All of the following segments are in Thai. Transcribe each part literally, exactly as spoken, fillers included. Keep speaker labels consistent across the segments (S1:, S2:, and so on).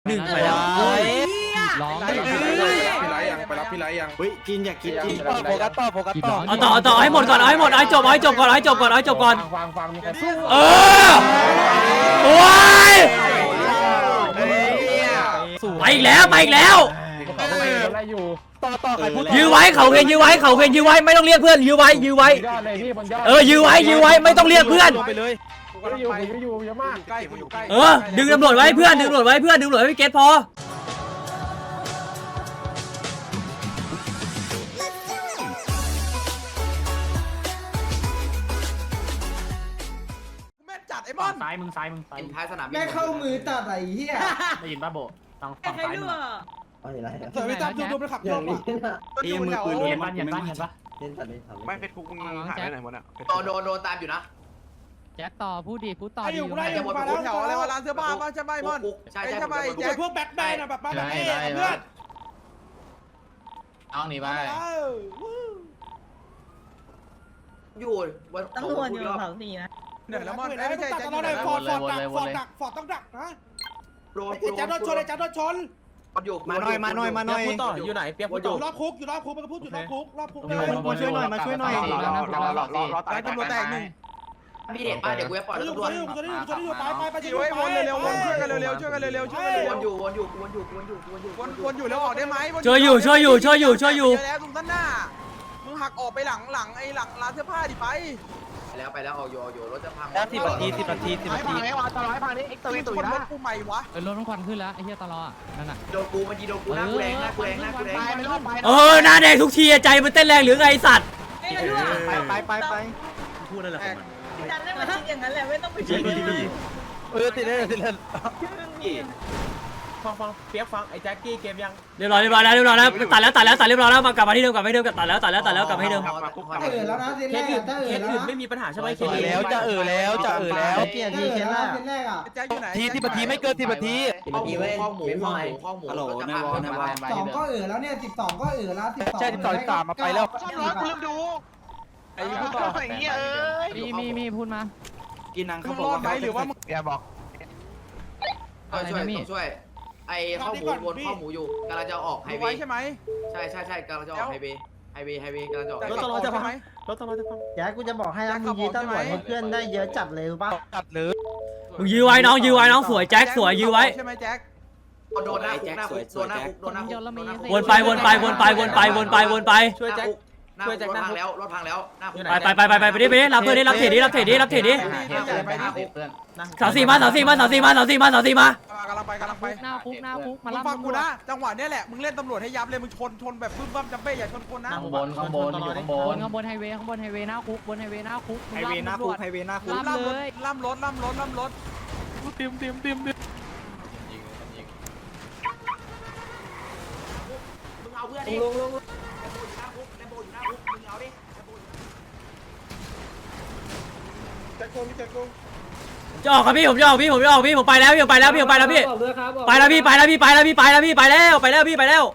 S1: หนึ่ง
S2: ไป
S1: แล้
S2: แล้ว ว
S3: ร้อง
S4: พี่ไรยังไปรับพี่ไรยัง
S5: เฮ้ยกินอยากกินกิน
S2: โฟกัสต่อโฟกัสต่อ
S1: เอาต่อเอาต่อให้หมดก่อนเอาให้หมดเอาให้จบเอาให้จบก่อนเอาให้จบก่อนเอาให้จบก่อน
S4: ฟังฟังมีใครสู้
S1: เออโอ้ยไปอีกแล้วไปอีกแล้ว
S4: อะไรอยู่
S2: ต่อต่อใครพูด
S1: ยื้อไว้เขาเพนยื้อไว้เขาเพนยื้อไว้ไม่ต้องเรียกเพื่อนยื้อไว้ยื้อไว้
S4: ยอดเลยพี่บนยอด
S1: เออยื้อไว้ยื้อไว้ไม่ต้องเรียกเพื่อน
S2: ลงไปเลย
S4: กูก็อยู่กูอยู่เยอะมากใกล้กูอยู่ใกล้
S1: เออดึงตำรวจไว้เพื่อนดึงตำรวจไว้เพื่อนดึงตำรวจไว้พี่เกตพอ
S2: แม่จัดไอ้บอล
S6: ซ้ายมึงซ้ายมึงซ้าย
S7: ท้ายสนามบิน
S3: แม่เข้ามือตัดไอ้เหี้ย
S6: ได้ยินป่ะโบทางฝั่งซ้ายมึง
S5: เอาอย่างไร
S2: เสือไปจับดูดูไปขับ
S5: อ
S2: ร
S5: ย่า
S2: ถ
S5: งนี้
S2: อ่ะ
S5: นะเอ้มือปืน
S6: เห็นป่ะเห็นป่ะเห็นป่ะ
S5: เล่นตัดเล่นทำ
S4: ไม่เพชรคุกมึงหายไปไหนหมดอ่ะ
S7: โดนโดนโดนตามอยู่นะ
S3: แจ็คต่อพูดดิพูดต่อ
S2: ไอ้อยู่กูได้อยู่มาแล้วแถวอะไรวะร้านเสื้อผ้าป่ะใช่ไหมบอล
S7: ใช่
S2: ไอ้
S7: ใช่
S2: ใช่ไหมแจ็คพวกแบ็คแมนอ่ะแบบแบบเอ๊ะเพื่อน
S6: เอาหนีไป
S7: อยู่วัน
S8: ตำรวจอยู่แถวสี่นะ
S2: เดี๋ยวแล้วบอลไม่ใช่แจ็คอยู่ไหนฟอร์ดฟอร์ดดักฟอร์ดดักฟอร์ดต้องดักนะ
S7: โดน
S2: ไอ้แจ็คโดนชนไอ้แจ็คโดนชน
S7: อยู่
S5: มาหน่อยมาหน่อยมาหน่อย
S7: อยู่ไหนเปียก
S2: อยู่รอบคุกอยู่รอบคุกมันก็พูดอยู่รอบคุกรอบคุกเลย
S5: มาช่วยหน่อยมาช่วยหน่อย
S2: ไอ้ตำรวจแตกหนึ่ง
S7: พี่เด็ดป้าเดี๋ยวกูจะปล่อย
S2: อยู่
S7: ตำรวจ
S2: อยู่อยู่อยู่อยู่ไปไปไป
S4: ช่วยวนเร็วๆวนช่วยกันเร็วๆช่วยกันเร็วๆช่วยกัน
S7: ว
S4: เร็วน
S7: อยู่วนอยู่วนอยู่วนอยู่วนอยู่
S2: วนวนอยู่แล้วออกได้ไหม
S1: ช่วยอยู่ช่วยอยู่ช่วยอยู่ช่วยอยู่
S2: แล้วตรงด้านหน้ามึงหักออกไปหลังหลังไอ้หลังร้านเสื้อผ้าดิไป
S7: แล้วไปแล้วออกอยู่อยู่รถจะพัง
S2: สิบนาทีสิบนาทีสิบนาทีไอ้วาตลอดให้พังนี่เอ็กซ์ตัวนี้ตัวนะรถกูใหม่วะ
S3: เออรถต้องควันขึ้นแล้วไอ้เหี้ยตลอดนั่นน่ะ
S7: โดนกูมันยีโดนกูหน้ากูแรงหน้ากูแรงหน้ากูแรง
S1: เออหน้าแดงทุกทีใจมันเต้นแรงหรือไงไอ้สัตว์
S5: ไปไปไปไป
S4: พูดนั่นแหละ
S8: จันได้มาคิดอย่างนั้นแหละไม่ต้องไปคิด
S2: เออติดเลยติดเลย
S4: ฟังฟังเปียกฟังไอ้แจ็คกี้เกมยัง
S1: เรียบร้อยเรียบร้อยแล้วเรียบร้อยแล้วตัดแล้วตัดแล้วตัดเรียบร้อยแล้วมากลับมาที่เดิมกลับมาที่เดิมตัดแล้วตัดแล้วตัดแล้วกลับมาที่เดิม
S3: ถ้าเออแล้วนะเซนแรกถ้าเออแล้วนะ
S4: ไม่มีปัญหาใช่ไหมเค
S2: เออแล้วจะเออแล้วจะเออแล้ว
S5: เกียร์
S3: ถ้า
S5: ที
S3: เออ
S5: เกียร์
S3: แล้ว
S5: ละ
S3: เซนแรกอ่ะ
S2: แจ็คอยู่ไหน
S5: ทีที่ปทีไม่เกินทีปที
S7: ข้อหมูข้อหมูข้อหมูข้อหมู
S5: ฮัลโหลในวอลในวอล
S3: สองก็เออแล้วเนี่ยสิบสองก็เออแล้วสิบสอง
S2: ใช่ติดต่อติดต่อมาไปแล้ว
S4: ไอ้พูดต่อ
S3: มีมีมีพูดมา
S5: กินนัง
S2: มึ
S5: เขา
S2: ง
S5: บอ
S2: ร
S5: ก
S2: อดไหม
S5: ว่า
S2: หรือว่ามึงอย่าบอก
S7: ช่วยต้องช่วยไอ้ข้อหมูวนข้อหมูอยู่กำลังจะออกไฮเว
S2: ไว้
S7: ย์
S2: ใช่ไหม
S7: ใช่ใช่ใช่กำลังจะออกไฮเวย์ไฮเวย์ไฮเวย์กำลังจะออก
S2: รถตลอดจะพังไหม
S4: รถตลอดจะฟัง
S5: แจ็คกูจะบอกให้นะมึงยื้อตำรวจให้เพื่อนได้เยอะจัดเลยรู้ป่ะ
S2: จัดเลย
S1: มึงยื้อไว้น้องยื้อไว้น้องสวยแจ็คสวยยื้อไว้
S2: ใช่ไหมแจ็ค
S7: โดนหน้าคุกหน้าคุกโดนหน้าคุกโดนหน้าคุก
S1: วนไปวนไปวนไปวนไปวนไปวนไป
S7: ช่วยแจ็คช่วยแจ็ครถพังแล้วรถพังแล้วหน้าคุก
S1: ไปไปไปไปไปดิไปดิรับเพื่อนดิรับเทรดดิรับเทรดดิรับเทรดดิ
S6: เพื่อน
S1: สาวสี่มาสาวสี่มาสาวสี่มาสาวสี่มาสาวสี่มาก
S2: ำลังไปกำลังไป
S3: หน้าคุกหน้าคุก
S2: มึ
S3: มาง รับ
S2: ฟังกูนะจังหวะนี้แหละมึงเล่นตำรวจให้ยับเลยมึงชนชนแบบบึ้มบั้มจัมเบ้อย่าชนคนนะ
S6: ข้างบนข้างบนอยู่ข้างบบ น
S3: นข้างบนไฮเวย์ข้างบนไฮเวย์หน้าคุกบนไฮเวย์หน้าคุก
S5: ไฮเวย์หน้าคุกไฮเวย์หน้าคุก
S2: ล่ำรถล่ำรถล่ำรถล่ำรถเตรียมเตรียมเตรียมเตรียม
S7: มึงเอาเพื่อนดิลงลงหน้าคุกแลมโบอยู่หน้าคุกมึงเอาดิ
S2: แจ็คโกงแจ็คโกง
S1: จะออกครับพี่ผมจะออกพี่ผมจะออกพี่ผมไปแล้วพี่ผมไปแล้วพี่ผมไปแล้วพี่ไปแล้วพี่ไปแล้วพี่ไปแล้วพี่ไปแล้วพี่ไปแล้วไปแล้วพี่ไปแล้ว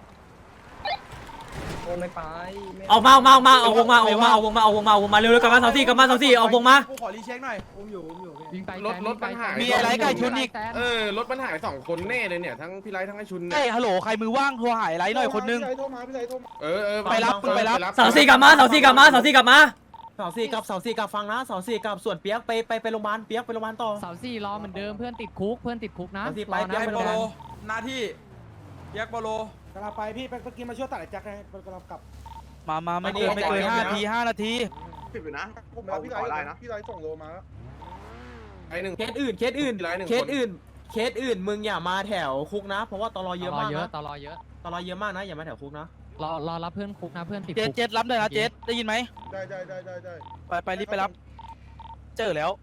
S1: ออกมาออกมาออกมาเอาวงมาเอาวงมาเอาวงมาเอาวงมาเอาวงมาเร็วๆกลับมาสาวสี่กลับมาสาวสี่เอาวงมา
S2: กูขอรีเช็คหน่อยอุ้มอยู่อุ้มอยู่
S3: วิ่งไป
S4: รถรถปัญหา
S2: มีอะไรไก่ชุนอีก
S4: เออรถปัญหาสองคนแน่เลยเนี่ยทั้งพี่ไรทั้งไอ้ชุน
S2: เฮ้
S4: เนี่ย
S2: ฮัลโหลใครมือว่างโทรหายไรหน่อยคนนึง
S4: เออเออ
S2: ไปรับไปรับ
S1: สาวสี่กลับมาสาวสี่กลับมาสาวสี่กลับมา
S4: สองสี่กับสองสี่กับฟังนะสองสี่กับส่วนเปียกไปไปไปโรงพยาบาลเปียกไปโรงพยาบาลต่อ
S3: เสาสี่รอเหมือนเดิมเพื่อนติดคุกเพื่อนติดคุกนะ
S1: เอาสิไป
S3: รอนะ
S2: แจ็ค
S3: เพื่อน
S2: โปโล
S3: กัน
S2: หน้าที่แจ็คโปโลกำลังไปพี่ไปเมื่อกี้มาช่วยตัดไอ้แจ็คไงกำลังกลับมามาไม่เกินไม่เกินห้านาทีห้านาที
S4: ผิดอยู่นะ
S9: ผมรับพี่ไรนะพี่ไรส่งโลมา
S4: ไอ้หนึ่ง
S10: เคสอื่นเคสอื่น
S4: พี่ไรหนึ่ง
S10: เคสอื่นเคสอื่นมึงอย่ามาแถวคุกนะ เพราะว่าตลอเยอะ
S3: รอ
S10: มาก
S3: เยอะ
S10: นะ
S3: ต่อรอเยอะ
S10: ตลอเยอะมากนะอย่ามาแถวคุกนะ
S3: รอรอรับเพื่อนคุกนะเพื่อนติด
S2: เจ็ด
S3: คุก
S2: เจ็ดรับเลยนะเจ็ดได้ยินไหม
S9: ได้ได้ได้ได้ได้
S2: ไปไปรีบไปรับ เจอแล้ว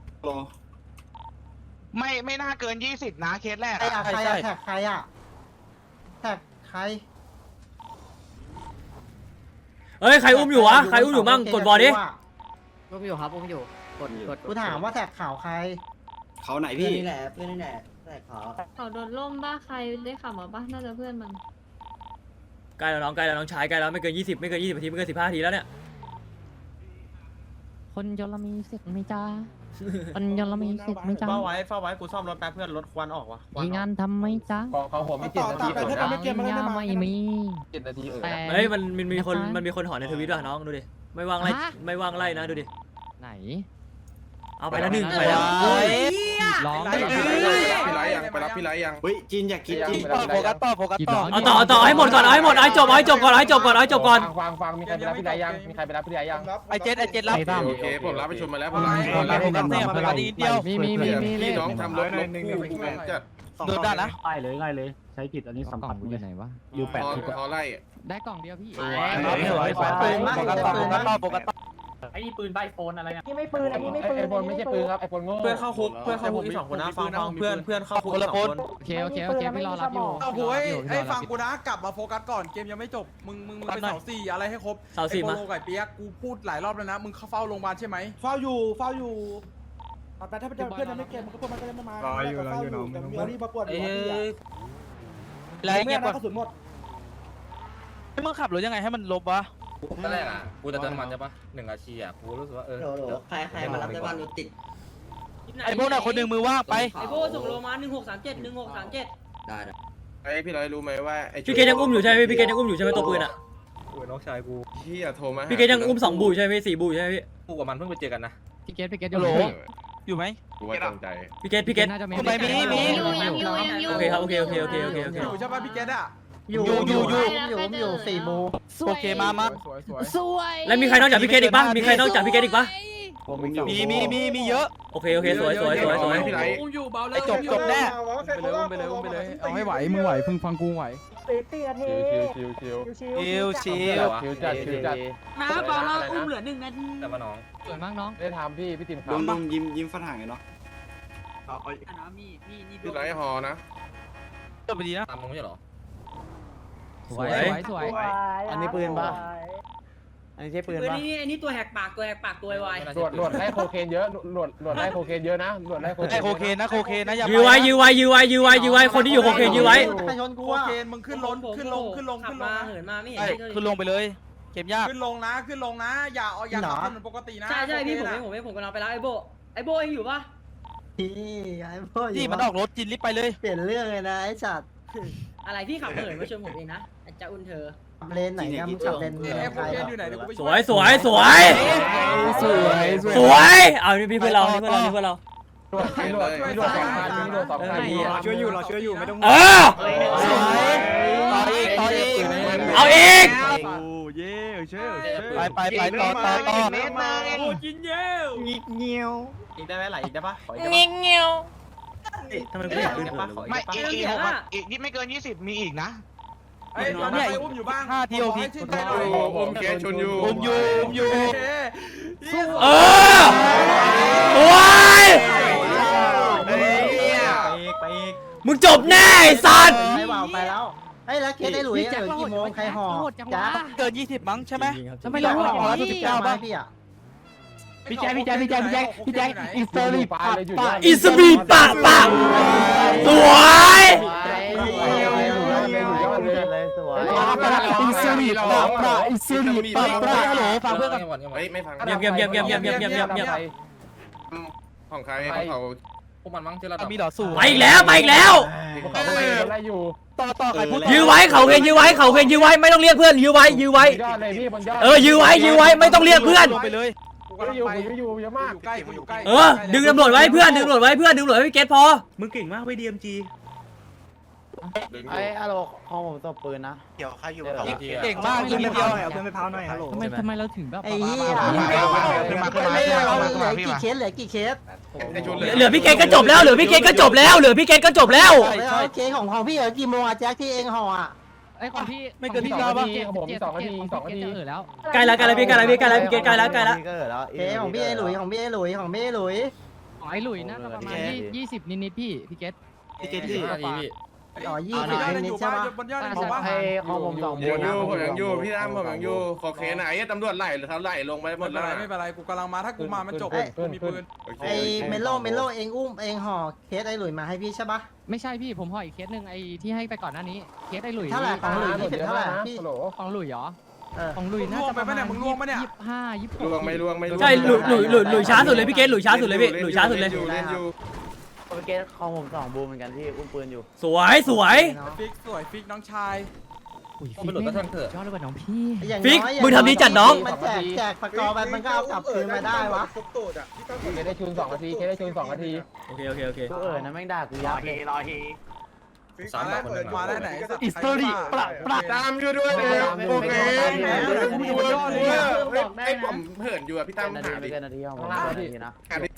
S9: ไม่ไม่น่าเกินยี่สิบนะเคสแรก
S5: ใครอะใครอะแท็กใครอะแท็กใคร
S1: เฮ้ยใครอุ้มอยู่วะใครอุ้มอยู่มั่งกดบอลดิ
S8: อุ้มอยู่ครับอุ้มอยู่กดกด
S5: กูถามว่าแท็กข่าวใคร
S11: เขาไหน
S5: เพื่อ
S11: พี่
S5: นนี่แหละเพื่อนนี่แหละแท็กข่าว
S8: เขาโดนล่มบ้าใครได้ข่าวมาบ้าน่าจะเพื่อนมัน
S1: ใกล้แล้วน้องใกล้แล้วน้องชายใกล้แล้วไม่เกินยี่สิบไม่เกินยี่สิบนาทีไม่เกินสิบห้านาทีแล้วเนี่ย
S3: คนยลมีเสร็จไหมจ้ามันยังละไม่เสร็จไม่จ้า
S4: เฝ้าไว้เฝ้าไว้กูซ่อมรถแป๊บเพื่อนรถควันออกว่ะควัน
S3: มี
S4: ออก
S3: งานทำไหมจ้า
S6: ของของผมมีเจ็ดนาที
S5: ต่อต่อไป
S3: ยาไม่มี
S6: เจ็ดนาทีเออ
S3: แต่
S1: เฮ้ยมันมันมีคนมันมีคนหอในทวิตด้วยน้องดูดิไม่ว่างไล่ไม่ว่างไล่นะดูดิ
S3: ไหน
S1: เอาไปแล้วหนึ่งไปแล้ว
S3: ร้อง
S9: พี่ไรยังไปรับพี่ไรยัง
S5: เฮ้ยจินอยากกินจิน
S2: โฟกัสต่อโฟกัสต่อ
S1: เอาต่อเอาต่อให้หมดก่อนเอาให้หมดเอาให้จบเอาให้จบก่อนเอาให้จบก่อนเอาให้จบก่อน
S6: ฟังฟังมีใครไปรับพี่ไรยังมีใครไปรับพี่ไรยัง
S2: ไอเจ็ดไอเจ็ดรับ
S6: โอเคผมรับไปชมมาแล้วผม
S2: รับโฟกัสเนี่ยโฟกัสดีเดียว
S3: มีมีมีมี
S9: พี่น้องทำรถรถคู่จะ
S2: โดนได้นะ
S6: ง่ายเลยง่ายเลยใช้ผิดอันนี้
S3: กล่
S6: สัม
S3: อ
S6: ผั
S3: ง
S6: ส
S3: กูอยู่ไหนวะ
S6: ยูแปด
S9: พอไล่
S3: ได้กล่องเดียวพี่
S2: สวยสวยสวยโฟกัสต่อโฟกัสต่อโฟกัสต่อ
S6: ไอ้นี่ปืนใบโฟนอะไรเนี่ย
S8: นี่ไม่ปืนอันนี้ไม่ปืน
S6: ไอโฟนไม่ใช่ปืนครับไอโฟนโง่
S4: เพื่อนเข้าคุกเพื่อนเข้าคุกอีกสองคนนะฟังฟังเพื่อนเพื่อนเข้าคุกอีกสองคน
S3: โอเคโอเคโอเคพี่รอรับอยู่
S2: เอาโว้ยไอ้ฟังกูนะกลับมาโฟกัสก่อนเกมยังไม่จบมึงมึงมึงไปเสาสี่อะไรให้ครบ
S1: เสาสี่มา
S2: โปโลไก่เปียกกูพูดหลายรอบแล้วนะมึงเข้าเฝ้าโรงพยาบาลใช่ไหม
S5: เฝ้าอยู่เฝ้าอยู่ตอนไปถ้าเพื่อนยังไม่เก็บมันก็พวกมันก็ยังไม่มารออยู่รออยู่น้องเดี๋ยวรีบมาปวดหัวพี่อ่ะ
S2: แล้ว
S5: เงี
S2: เงี
S5: ย
S2: ย
S5: บบ ก
S2: ก่อน
S5: ระสุนหมด
S2: มึงขับรถยังไงให้มันลบวะ
S11: ตอนแรกอ่ะกูจะเติมน้ำมันใช่ปะหนึ่งอาชีอ่ะกูรู้สึกว่าเออ
S7: ใครใครมารับได้บ้างรถติด
S2: ไอ้พวกน่ะคนหนึ่งมือว่างไป
S8: ไอโบส่งโลมาหนึ่งหกสามเจ็ดหนึ่งหกสามเจ็ด
S7: ได้ได้
S9: ไอพี่ไรรู้ไหมว่าไอ
S1: พี่เกดยังอุ้มอยู่ใช่ไหมพี่เกดยังอุ้มอยู่ใช่ไหมตัวปืนอ่ะ
S11: กูน้องชายกู
S9: พี่อะโทรมา
S1: พี่เกดยังอุ้มสองบูใช่ไหมสี่บูใช่ไหมพี่
S11: กูกับมันเพิ่งไปเจอกันนะ
S3: พี่เกตพี่เกต
S2: ฮัลโหล
S3: อยู่
S2: อยู่ไหม
S9: กูว่าจงใจ
S1: พี่เกดพี่เกด
S3: น่าจะมี
S2: ไปมีมี
S8: อยู่ยังอยู่ยังอยู่
S1: โอเคครับโอเคโอเคโอเคโอเคโอเค
S2: อยู่ใช่ป่ะพี่เกดอ่ะ
S5: อยู่
S2: อยู่อยู่
S5: อยู่อยู่สี่โมง
S2: โอเคมามา
S3: สวย
S1: แล้วมีใครนอกจากพี่เกดอีกปะมีใครนอกจากพี่เกดอีกปะ
S2: มีมีมีมีเยอะ
S1: โอเคโอเคสวยสวยสวยสวย
S9: พี่ไร
S2: อุ้มอยู่เบาเลยจบจบแน่ไปเลยอุ้มไปเลยอุ้มไปเลยเอาให้ไหวมึงไหวพึ่งฟังกูไหว
S6: ชิวชิวชิวชิว
S2: ชิวชิว
S6: ชิวจัดชิวจัด
S8: น้าเบาเราอุ้มเหลือหนึ่งนาที
S11: แต่ว่าน้อง
S3: สวยมากน้อง
S6: ได้ทำพี่พี่ติมครับ
S5: ลุงลุงยิ้มยิ้มฝรั่งเนาะ
S8: น้ามีมีนี่
S9: พี่ไรหอนะ
S2: จบไปดีนะ
S11: ตามมึงไม่ใช่หรอ
S3: สวยสวยสวย
S5: อันนี้ปืนปะอันนี้ใช่ปืน
S8: ปืน
S5: ปะ
S8: นี่อันนี้ตัวแหกปากตัวแหกปากตัวไว
S6: ตรวจตรวจได้โคเคนเยอะตรวจตรวจได้โคเคนเยอะนะตรวจได้โคเคน
S2: ไอโคเคนนะโคเคนนะอย่า
S1: ยื้อไว้ยื้อไว้ยื้อไว้ยื้อไว้ยื้อไว้คนที่อยู่โคเคนยื้อไว้
S5: ใครชนกู
S2: โค
S5: อ่ะ
S2: เคนมึงขึ้นลงขึ้นลงขึ้นลง
S8: ขับ
S2: ขึ้นล
S8: มาง เหินมาไม่เห็น
S2: ใช่ขึ้นลงไปเลยเกมยากขึ้นลงนะขึ้นลงนะอย่าเอาอย่าขับเหมือนปกตินะ
S8: ใช่ใช่พี่ผมเองผมเองผมกำลังไปแล้วไอโบไอโบเองอยู่ปะ
S5: พี่ไอ้พ่อ
S2: นี่มันออกรถจินรีบไปเลย
S5: เปลี่ยนเรื่องเลยนะไอ้จัด
S8: อะไรพี่ขับเหินมาชนผมเองนะจะอุ่นเธอ
S5: เลนไหนกันขับเลน
S2: นี่ไอโคเคนอยู่ไหนเดี๋ยวกูไป
S1: สวยสวยสวย
S2: สวย
S1: สวยเอานี่พี่เพื่อนเรานี่เพื่อนเรานี่เพื่อนเรา
S6: ตรวจตรวจตรวจสองพันตรวจสองพัน
S2: ช่วยอยู่เราช่วยอยู่ไม่ต้อง
S1: เออ
S2: สวยต่ออีกต่ออีก
S1: เอาอีก
S2: เย่เช่ไปไปไปต่อต่อต่อโอ้จินเย่งิกเงี้ยว
S4: อีกได้ไหมไหลอีกได้ปะขออีกได้
S1: เงี้
S4: ปะ
S1: ยเงี้ย
S4: ทำไมไม่อยากขึ้นปะขออีก
S9: ไม่
S4: ได้ปะ
S9: อีกอีกหกอีกนี่ไม่เกินยี่สิบมีอีกนะ
S2: ไอ้ตอนนี้อุ้มอยู่บ้างห้าทีโอพีชื่นใจหน่อย
S9: ผมแกชนอยู่
S2: อุ้มอยู่อุ้มอยู่
S1: เออโอ้ย
S4: ไปอีกไปอีก
S1: มึงจบแน่ไอ้สัตว์
S5: ไม่เบาไปแล้วไอ้แล้วเคสไอ้หลุยเออกี่โมงใครห่อจ้า
S2: เกินยี่สิบมั้งใช่ไหม
S3: ทำไมเรา
S2: ห่อแล้ว
S3: พี่
S2: สิบเก้าป่ะ
S5: พี่อ่ะ
S2: พี่แจ๊คพี่แจ๊คพี่แจ๊คพี่แจ๊คพี่แจ๊คอินสตอรี่ปะปะ
S1: อิสบีปะปะสวย
S5: เลยสวย
S2: อินสตอรี่ปะปะอินสตอรี่ปะปะฮัลโหลฟังเพื่อนกัน
S9: เฮ้ยไม่ฟัง
S1: เงียบเงียบเงียบเงียบเงียบเงียบเงียบเงียบเงียบ
S9: ของใครของเขา
S11: พวกมันมั้งที่เรา
S2: มีหล่อสู้
S1: ไปอีกแล้วไปอีกแล้ว
S6: เขาไม่ไล่อยู่
S2: ต่อต่อใครพูด
S1: ยื้อไว้เขาเคนยื้อไว้เขาเคนยื้อไว้ไม่ต้องเรียกเพื่อนยื้อไว้ยื้อไว้
S6: ยอดเลยพี่บนยอด
S1: เออยื้อไว้ยื้อไว้ไม่ต้องเรียกเพื่อน
S2: ลงไปเลย
S6: กูอยู่กูอยู่เยอะมาก
S2: อยู่ใกล้กูอยู่ใกล้
S1: เออดึงตำรวจไว้เพื่อนดึงตำรวจไว้เพื่อนดึงตำรวจไว้พี่เกตพอ
S5: มึงเก่งมากไปดีเอ็มจี ไอ้อะโลของผมตบปืนนะ
S9: เกี่ยวใครอยู่
S2: เก่งมากทีเดียว
S5: เอาเพื่อนไปพาวหน่อยฮัลโหล
S3: ทำไมทำไมเราถึงแบบ
S5: ไอ้เหี้ย
S9: ขึ้นมาขึ้นมาขึ้นมา
S5: เรา
S9: ขึ้น
S5: เหลื
S9: มา
S5: อ
S9: พี่
S5: กี่
S9: มา
S5: เคสเหลือกี่เคส
S9: ไอชน
S1: เหลือพี่เกตก็จบแล้วเหลือพี่เกตก็จบแล้วเหลือพี่เกตก็จบแล้ว
S5: แล้วเคสของของพี่เหลือกี่โมงอะแจ็คที่เองห่ออะ
S3: ไอ้ของพี่
S2: ไม่เกินที่เราป่ะ
S6: ผมสองนาทีสองนาที
S3: เออแล้ว
S1: ใกล้แล้วใกล้แล้วพี่ใกล้แล้วพี่ใกล้แล้วพี่เกตใกล้แล้วใกล้แล้ว
S5: เคสของพี่ไอ้หลุยของพี่ไอ้หลุยของพี่ไอ้หลุย
S3: ของไอ้หลุยน่าจะประมาณยี่สิบนิดๆพี่พี่เกต
S11: พี่เกตที่พี่
S5: อ๋อยี่สิบนิดใช่ปะ
S2: บนยอดบอกว่า
S6: ของผมสอง
S9: ยังอยู่ผมยังอยู่พี่ตั้มผมยังอยู่ขอเคไหนตำรวจไล่หรือเขาไล่ลงไปหม
S2: ไม่
S9: ด
S2: เป็
S9: แล้
S2: น
S9: ว
S2: ไรไม่เป็นไรกูกำลังมาถ้ากูมามันจบกูมีปืน
S5: ไอ้เมโลเมโลเองอุ้มเองห่อเคสไอ้หลุยมาให้พี่ใช่ปะ
S3: ไม่ใช่พี่ผมห่ออีกเคสหนึ่งไอ้ที่ให้ไปก่อนหน้านี้เคสไอ้หลุย
S5: เท่าไหร่ของหลุยยี่สิบเท่าไหร่พี่
S6: ฮัลโหล
S3: ของหลุยเหรอของลุยน่าจะประมาณยี่สิบห้ายี่สิบหก
S9: ล่วงไม่ล่วงไม่ล่วง
S1: ใช่หลุยหลุยหลุยหลุยช้าสุดเลยพี่เกตหลุยช้าสุดเลยพี่หลุยช้าสุดเลย
S9: เล่นอยู่
S10: เมื่อกี้ของผมสองบูมเหมือนกันที่อุ้มปืนอยู่
S1: สวยสวย
S2: ฟิกสวยฟิกน้องชาย
S3: อุ้ย
S11: เอาไปหลุดก็ทันเถอะ
S3: ยอดเลยว่ะน้องพี่
S1: ฟิกมึงทำดีจัดน้อง
S10: มันแจกแจกสกอร์ไปมันก็เอากลับคืนมาได้วะ
S5: ครบตูดอ่ะพี่ต้อง
S6: เคได้ชูนสองนาทีเคได้ชูนสองนาที
S1: โอเคโอเคโอเค
S10: กูเอ๋ยนะแม่งด่ากูยับเลย
S11: สามแบบคนหนึ่ง
S2: มาได้ไหนอิสตอรี่ปรับปรับ
S9: ตามอยู่ด้วยเลยโอเค
S2: กูอยู่บนยอดเลยอะ
S9: ไอ้ผมเหินอยู่อะพี่ตั้ม
S10: นาที
S9: หา
S10: ไม่
S9: ดิ
S10: เกินนาทีของผมนาทีนะ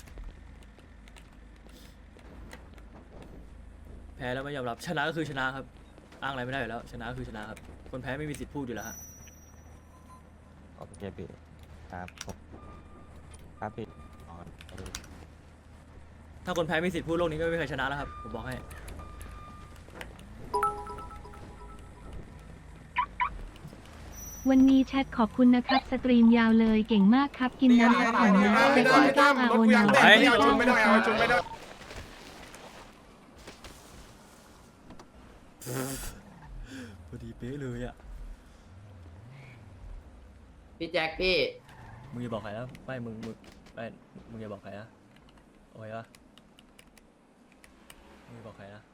S1: แพ้แล้วไม่ยอมรับชนะก็คือชนะครับอ้างอะไรไม่ได้อยู่แล้วชนะก็คือชนะครับคนแพ้ไม่มีสิทธิ์พูดอยู่แล้วฮะ
S11: โอเคพี่ครับครับพี่
S1: ถ้าคนแพ้มีสิทธิ์พูดโลกนี้ก็ไม่มีใครชนะแล้วครับผมบอกให้
S12: วันนี้แชทขอบคุณนะครับสตรีมยาวเลยเก่งมากครับกินน้ำพักผ่อนนะ
S9: ไม่
S12: เซ็ก
S9: ได้
S12: ซี่
S9: ตั้
S12: ก้าม อา
S9: ร
S12: โอ
S9: ถกูอยาก
S12: นา
S9: เต้นไม่เอาชุนไม่ได้เอาชุนไม่ได้
S1: พอดีเป๊ะเลยอ่ะ
S7: พี่แจ็คพี่
S1: มึงอย่าบอกใครนะไม่มึงมึงไม่มึงอย่าบอกใครนะโอเคปะมึงอย่าบอกใครนะ